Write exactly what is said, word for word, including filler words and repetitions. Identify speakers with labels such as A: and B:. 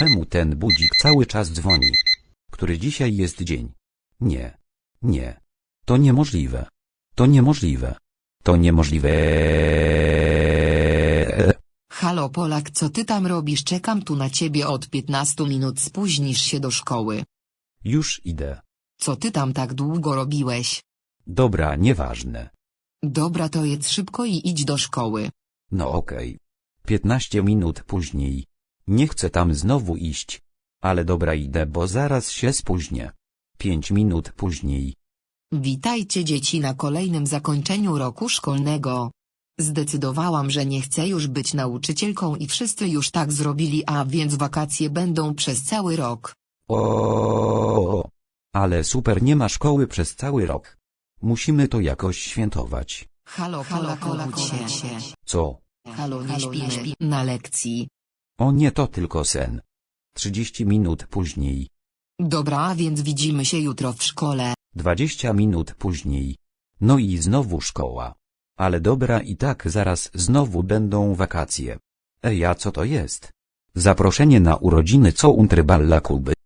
A: Czemu ten budzik cały czas dzwoni? Który dzisiaj jest dzień? Nie. Nie. To niemożliwe. To niemożliwe. To niemożliwe.
B: Halo Polak, co ty tam robisz? Czekam tu na ciebie od piętnastu minut, spóźnisz się do szkoły.
A: Już idę.
B: Co ty tam tak długo robiłeś?
A: Dobra, nieważne.
B: Dobra, to jedz szybko i idź do szkoły.
A: No okej. Piętnaście minut później. Nie chcę tam znowu iść. Ale dobra, idę, bo zaraz się spóźnię. Pięć minut później.
B: Witajcie dzieci na kolejnym zakończeniu roku szkolnego. Zdecydowałam, że nie chcę już być nauczycielką i wszyscy już tak zrobili, a więc wakacje będą przez cały rok.
A: O, ale super, nie ma szkoły przez cały rok. Musimy to jakoś świętować.
B: Halo Polak, Polak się.
A: Co?
B: Halo, nie śpimy na lekcji.
A: O nie, to tylko sen. Trzydzieści minut później.
B: Dobra, a więc widzimy się jutro w szkole.
A: Dwadzieścia minut później. No i znowu szkoła. Ale dobra, i tak zaraz znowu będą wakacje. Ej, a co to jest? Zaproszenie na urodziny co Unterballa Kuby.